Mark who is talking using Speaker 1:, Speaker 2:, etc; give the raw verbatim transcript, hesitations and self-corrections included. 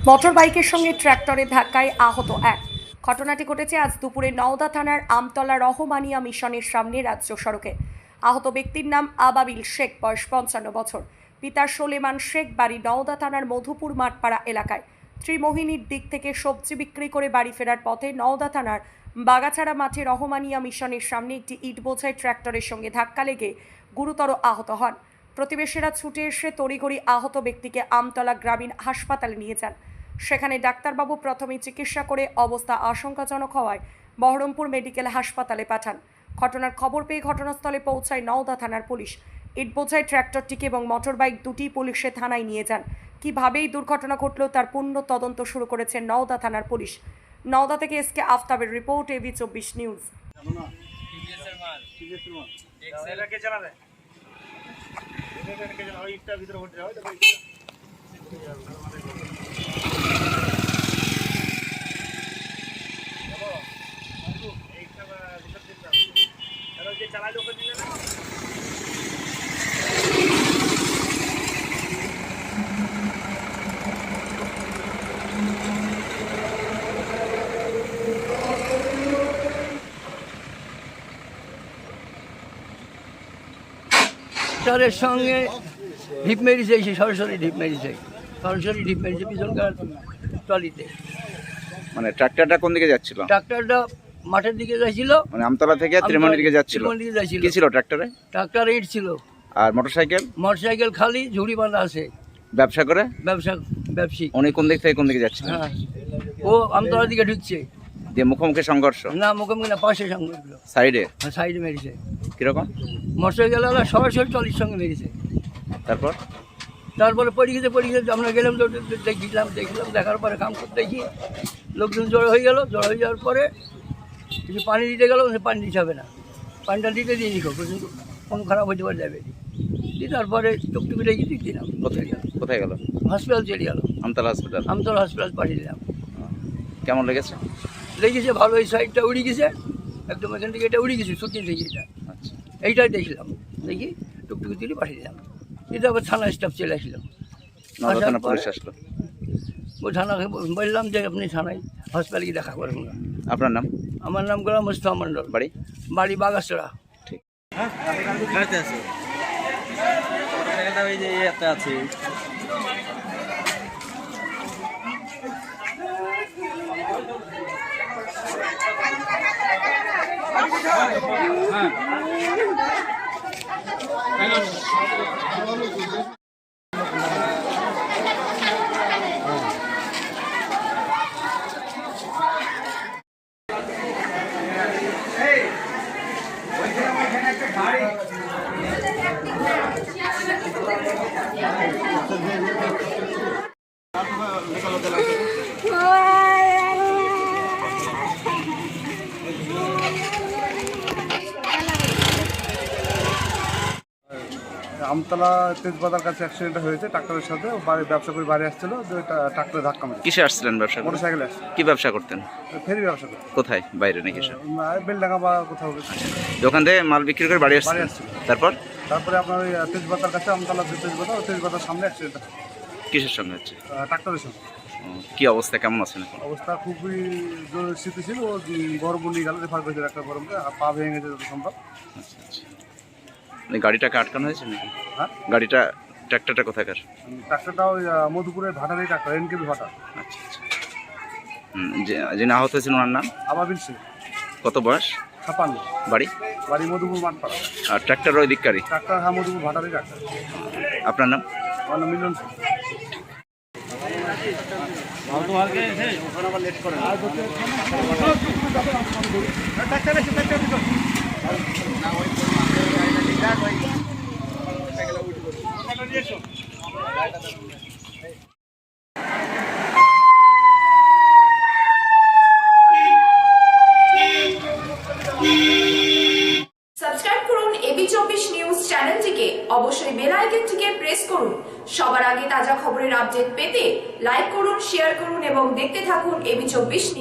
Speaker 1: Motor বাইকের সঙ্গে ট্র্যাক্টরের ধাক্কায় আহত এক। ঘটনাটি ঘটেছে আজ দুপুরে নওদা থানার আমতলা রহমানিয়া মিশনের সামনে রাজ্য সড়কে। আহত ব্যক্তির নাম আবাবিল শেখ, বয়স পঞ্চান্ন বছর। পিতা সোলেমান শেখ, বাড়ি নওদা থানার মধুপুর মাঠপাড়া এলাকায়। ত্রিমোহিনীর দিক থেকে সবজি বিক্রি করে বাড়ি ফেরার পথে নওদা থানার বাগাছাড়া মাঠে রহমানিয়া মিশনের সামনে একটি ইট বোঝাই ট্র্যাক্টরের সঙ্গে ধাক্কা লেগে গুরুতর আহত হন। প্রতিবেশীরা ছুটে এসে তড়িঘড়ি আহত ব্যক্তিকে আমতলা গ্রামীণ হাসপাতালে নিয়ে যান। সেখানে ডাক্তারবাবু প্রথমে চিকিৎসা করে অবস্থা আশঙ্কাজনক হওয়ায় বহরমপুর মেডিকেল হাসপাতালে পাঠান। ঘটনার খবর পেয়ে ঘটনাস্থলে পৌঁছায় নওদা থানার পুলিশ। ইট বোঝাই ট্র্যাক্টরটিকে এবং মোটরবাইক দুটি পুলিশে থানায় নিয়ে যান। কিভাবে এই দুর্ঘটনা ঘটল তার পূর্ণ তদন্ত শুরু করেছে নওদা থানার পুলিশ। নওদা থেকে এস কে আফতাবের রিপোর্ট, এবি চব্বিশ নিউজ।
Speaker 2: ট্রাক্টরের সঙ্গে ঢিপ মেরেছে, এসে সরাসরি ঢিপ মেরেছে, সরাসরি ঢিপ মেরেছে পিছনকার ট্রলিতে।
Speaker 3: মানে ট্রাক্টরটা কোন দিকে যাচ্ছিল?
Speaker 2: ট্রাক্টরটা মাঠের দিকে যাচ্ছিল,
Speaker 3: মানে আমতলা থেকে ত্রিমোহনীর দিকে যাচ্ছিল।
Speaker 2: ত্রিমোহনীর দিকে যাচ্ছিল।
Speaker 3: কি ছিল ট্রাক্টরে?
Speaker 2: ট্রাক্টর ইট ছিল।
Speaker 3: আর মোটরসাইকেল?
Speaker 2: মোটরসাইকেল খালি, ঝুড়ি বাঁধা আছে।
Speaker 3: ব্যবসা করে?
Speaker 2: ব্যবসা ব্যবসায়িক।
Speaker 3: উনি কোন দিক থেকে কোন দিকে যাচ্ছিল?
Speaker 2: হ্যাঁ, ও আমতলার দিকে ঢুকছে।
Speaker 3: দিয়ে মুখোমুখি সংঘর্ষ?
Speaker 2: না, মুখোমুখি না, পাশে সংঘর্ষ।
Speaker 3: সাইডে?
Speaker 2: হ্যাঁ, সাইডে মেরেছে।
Speaker 3: কিরকম?
Speaker 2: মোটরসাইকেল সরাসরি ট্রলির সঙ্গে মেরেছে।
Speaker 3: তারপর?
Speaker 2: তারপরে পড়ে গেছে, পড়ে গেছে। আমরা গেলাম, দেখলাম দেখলাম দেখার পরে কাম করতে দেখি লোকজন জড়ো হয়ে গেল। জড়ো হয়ে যাওয়ার পরে কিছু পানি দিতে গেল, সে পানি দিতে হবে না, পানিটা দিতে দিয়ে নিখো, কিন্তু কোনো খারাপ হইতে পারে যাবে। দিয়ে তারপরে টুকটুকি রেখে দিয়ে দিলাম।
Speaker 3: কোথায় গেল? কোথায় গেল?
Speaker 2: হসপিটাল চলে গেল।
Speaker 3: আমতলা হসপিটাল?
Speaker 2: আমতলা হসপিটাল পাঠিয়ে দিলাম।
Speaker 3: কেমন লেগেছে?
Speaker 2: লেগেছে ভালো, এই সাইডটা উড়ে গেছে একদম, এখান থেকে এটা উড়ে গেছে, শুকিয়ে থেকে এটা।
Speaker 3: আচ্ছা,
Speaker 2: এইটাই দেখলাম, দেখি টুকটুকি তুলে পাঠিয়ে দিলাম। এটা আবার থানা স্টাফ চলে আসলো।
Speaker 3: নওদা থানা পুলিশ আসলো।
Speaker 2: ওই থানাকে বললাম যে আপনি থানায় হসপিটালে গিয়ে দেখা করবেন। আপনার
Speaker 3: নাম?
Speaker 2: আমার নাম গোলাম মুস্তফা মন্ডল।
Speaker 3: বাড়ি?
Speaker 2: বাড়ি বাগাছড়া।
Speaker 3: ঠিক।
Speaker 4: আছে
Speaker 5: আমতলা তেজবাজার কাছে অ্যাক্সিডেন্ট হয়েছে ট্রাক্টরের সাথে। বাড়ি ব্যবসা করে বাড়ি আসছিল, ট্রাক্টরে ধাক্কা মেরেছে।
Speaker 3: কিসে আসছিলেন ব্যবসা?
Speaker 5: মোটরসাইকেলে আসছে।
Speaker 3: কি ব্যবসা করতেন?
Speaker 5: ফেরি ব্যবসা করতে।
Speaker 3: কোথায়? বাইরে নাকি?
Speaker 5: বেলডাঙ্গা বা কোথাও।
Speaker 3: দোকান থেকে মাল বিক্রি করে বাড়ি
Speaker 5: বাড়ি
Speaker 3: আসছিল।
Speaker 5: আসছিল।
Speaker 3: তারপর?
Speaker 5: তারপরে আপনার ওই তেজবাজার কাছে, আমতলা তেজবাজার, তেজবাজার সামনে অ্যাক্সিডেন্ট হয়।
Speaker 3: কিসের সঙ্গে হচ্ছে?
Speaker 5: ট্রাক্টরের সঙ্গে।
Speaker 3: কি অবস্থা, কেমন আছেন এখন?
Speaker 5: অবস্থা খুবই জরুরি স্থিতি ছিল। ও বহরমপুর নিয়ে গেল, রেফার করেছে ডাক্তার বহরমপুরে। পা ভেঙে গেছে যত সম্ভব।
Speaker 3: আচ্ছা আচ্ছা, মানে গাড়িটাকে আটকানো হয়েছে নাকি?
Speaker 5: হ্যাঁ,
Speaker 3: গাড়িটা, ট্রাক্টরটা কোথাকার?
Speaker 5: ট্রাক্টরটা ওই মধুপুরের ভাটার এই ট্রাক্টর, এনকেবি ভাটা।
Speaker 3: আচ্ছা আচ্ছা। হুম, যে যিনি আহত হয়েছেন ওনার নাম?
Speaker 5: আবাবিল শেখ।
Speaker 3: কত বয়স?
Speaker 5: ছাপান্ন।
Speaker 3: বাড়ি?
Speaker 5: বাড়ি মধুপুর মাঠপাড়া।
Speaker 3: আর ট্রাক্টর ওই দিককারই?
Speaker 5: ট্রাক্টর, হ্যাঁ, মধুপুর ভাটারই ট্রাক্টর।
Speaker 3: আপনার নাম?
Speaker 5: আমার নাম মিলন শেখ।
Speaker 6: সাবস্ক্রাইব করুন এবি চব্বিশ নিউজ চ্যানেলটিকে, অবশ্যই বেল আইকনটিকে প্রেস করুন। সবার আগে তাজা খবরের আপডেট পেতে লাইক করুন, শেয়ার করুন এবং দেখতে থাকুন এবি চব্বিশ নিউজ।